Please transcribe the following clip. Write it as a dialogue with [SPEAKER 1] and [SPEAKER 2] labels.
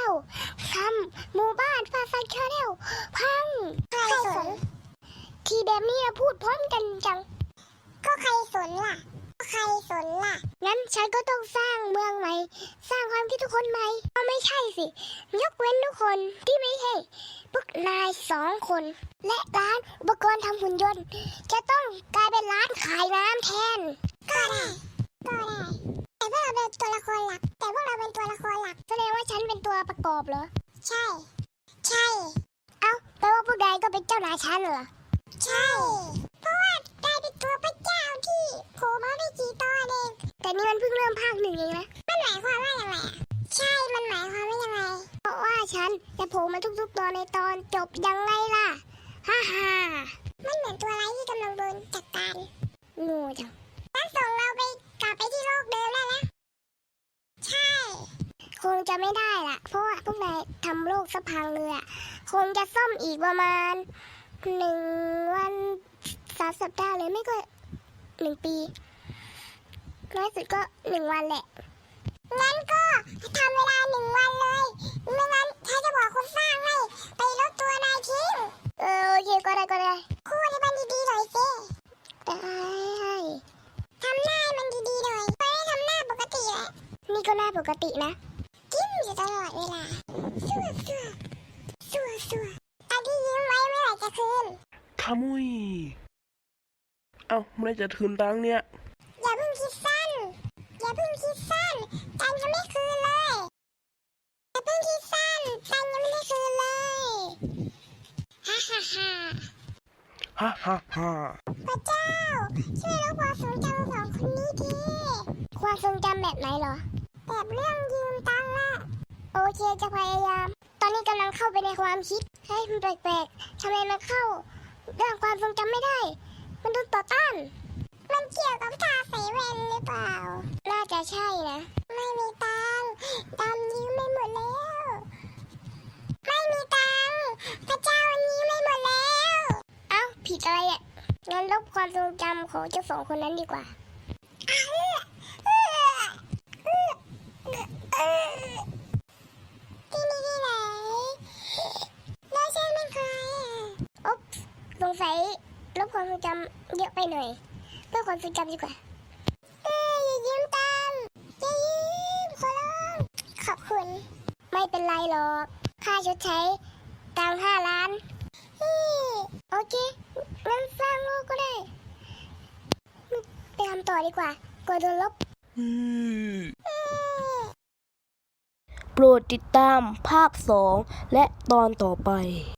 [SPEAKER 1] ลทำหมู่บ้านฟาซันชาแนลพังใครสนทีแบบนี้พูดพร้อมกันจังก็ใครสนล่ะงั้นฉันก็ต้องสร้างเมืองใหม่สร้างความคิดทุกคนใหม่ก็ไม่ใช่สิยกเว้นทุกคนที่ไม่ใช่พวกนาย2 คนและร้านอุปกรณ์ทำหุ่นยนต์จะต้องกลายเป็นร้านขายน้ำแทนก็ได้แต่พวกเราเป็นตัวละครหลักแสดงว่าฉันเป็นตัวประกอบเหรอใช่เอ้าแปลว่าพวกนายก็เป็นเจ้านายฉันเหรอใช่เพราะว่านายเป็นตัวพระเจ้าที่โผล่มาไม่กี่ตอนเองแต่นี่มันเพิ่งเริ่มภาค 1เองนะมันหมายความว่ายังไงใช่มันหมายความว่ายังไงเพราะว่าฉันจะโผล่มาทุกๆตอนในตอนจบยังไงล่ะฮ่ามันเหมือนตัวร้ายที่กำลังโดนจัดการงูจังงั้นส่งเรากลับไปที่โลกเดิมได้แล้วใช่คงจะไม่ได้ล่ะเพราะว่าพวกนายทำโลกสะพังเลยอ่ะคงจะซ่อมอีกประมาณ1 วัน3 สัปดาห์เลยไม่ก็1 ปีน้อยสุดก็1 วันแหละงั้นก็ทำเวลา1 วันเลยไม่งั้นถ้าจะบอกคนสร้างให้ไปลดตัวนายทิ้งโอเคก็ได้คู่ให้มันดีๆหน่อยสิได้ทำหน้าให้มันดีๆหน่อยไม่ได้ทำหน้าปกติแหละนี่ก็หน้าปกตินะยิ้มอยู่ตลอดเวลาสัวตอนที่ยิ้มไว้เมื่อไหร่จะคืน
[SPEAKER 2] ขมุยเอ้าเมื่อไรจะคืนตังค์เนี่ย
[SPEAKER 1] อย่าเพิ่งคิดสั้นตังยังไม่คืนเลยอย่าเพิ่งคิดสั้นตังยังไม่ได้คืนเลยฮ่าพระเจ้าช่วยลบความทรงจำของคนนี้ทีความทรงจำแบบไหนเหรอแบบเรื่องยืมตังค์อะโอเคจะพยายามตอนนี้กำลังเข้าไปในความคิดให้มันแปลกๆทำไมมันเข้าเรื่องความทรงจำไม่ได้มันโดนต่อต้านมันเกี่ยวกับทาใส่แว่นหรือเปล่าน่าจะใช่นะไม่มีตังค์ดำยืมไม่หมดแล้วไม่มีตังค์พระเจ้าวันนี้ไม่หมดแล้วเอ้าผิดอะไรอ่ะงั้นลบความทรงจำของเจ้า2 คนนั้นดีกว่าที่นี่ที่ไหนแล้วฉันเป็นใครอ๊บสงสัยลบความทรงจำเยอะไปหน่อยเพื่อความทรงจำดีกว่าอย่ายืมตังค์อย่ายืมขอร้องขอบคุณไม่เป็นไรหรอกค่าชดใช้ตังค์5 ล้านโอเคงั้นสร้างโลกก็ได้ไปทำต่อดีกว่ากลัวโดนลบ
[SPEAKER 2] โปรดติดตามภาค 2และตอนต่อไป